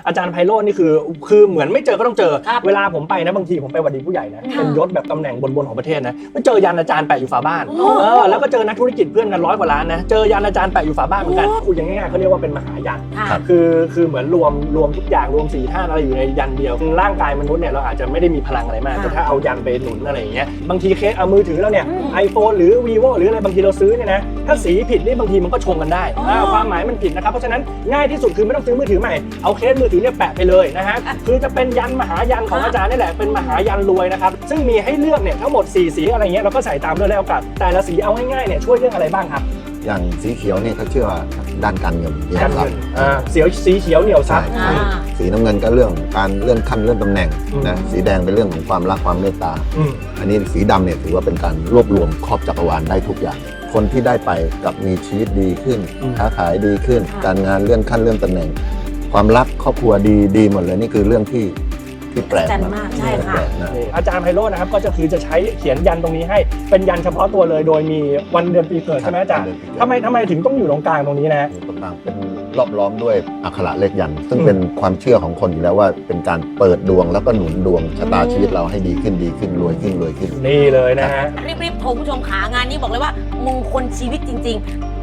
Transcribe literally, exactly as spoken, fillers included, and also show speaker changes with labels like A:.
A: อาจารย์ไพโรจน์นี่คือคือเหมือนไม่เจอก็ต้องเจอเวลาผมไปนะบางทีผมไปหวัดดีผู้ใหญ่นะเป็นยศแบบตำแหน่งบนๆของประเทศนะไม่เจอยันอาจารย์แปะอยู่ฝาบ้านเออแล้วก็เจอนักธุรกิจเพื่อนกันร้อยกว่าล้านนะเจอยันอาจารย์แปะอยู่ฝาบ้านเหมือนกันคุยยังง่ายๆเขาเรียกว่าเป็นมหายันคือคือเหมือนรวมรวมทุกอย่างรวมสี่ธาตุอะไรอยู่ในยันเดียวร่างกายมนุษย์เนี่ยเราอาจจะไม่ได้มีพลังอะไรมากแต่ถ้าเอายันไปหนุนอะไรอย่างเงี้ยบางทีเคสเอามือถือเราเนี่ย iPhone หรือ vivo หรืออะไรบางทีเราซื้อเนี่ยนะถ้าสีผิดนี่บางทีมันก็ชงกันได้ความหมายมันผิดนะครับเพราะฉะนั้นง่ายที่สุดคือไม่ต้องซื้อมือถือใหม่เอาเคสมือถือเนี่ยแปะไปเลยนะฮะคือจะเป็นยันมหายันของอาจารย์นี่แหละเป็นมหายันรวยนะครับซึ่งมีให้เลือกเนี่ยทั้งหมดสี่สีอะไรเงี้ยเราก็ใส่ตามด้วยแล้วกันแต่ละสีเอาง่ายๆเนี่ยช่วยเรื่องอะไรบ้างครับ
B: อย่างสีเขียวเนี่ยเขาเชื่อว่าด้านการเงิน
A: การเงินเสียวสีเขียวเหนียวซับ
B: สีน้ำเงินก็เรื่องการเลื่อนขั้นเลื่อนตำแหน่งนะสีแดงเป็นเรื่องของความรักความเมตตาอันนี้สีดำเนี่ยถือว่าเป็นการรวบรวมครอบจักรวาลได้ทุกอย่างคนที่ได้ไปกับมีชีวิตดีขึ้นค้าขายดีขึ้นการงานเลื่อนขั้นเลื่อนตำแหน่งความรักครอบครัวดีดีหมดเลยนี่คือเรื่องที่ที่แปลกมาก
C: ใช่ค่ะ
A: อาจารย์ไพโรจน์นะครับก็จะคือจะใช้เขียนยันตรงนี้ให้เป็นยันเฉพาะตัวเลยโดยมีวันเดือนปีเกิดใช่ไหมอาจารย์ทำไมทำไมถึงต้องอยู่ตรงกลางตรงนี้นะ
B: ตรงกลางเป็นรอบล้อมด้วยอักขระเลขยันซึ่งเป็นความเชื่อของคนอยู่แล้วว่าเป็นการเปิดดวงแล้วก็หนุนดวงชะตาชีวิตเราให้ดีขึ้นดีขึ้นรวยขึ้นรวยขึ้น
A: นี่เลยนะฮะ
C: รีบๆโทรผู้ชมขางานนี้บอกเลยว่ามงคลชีวิตจริงๆ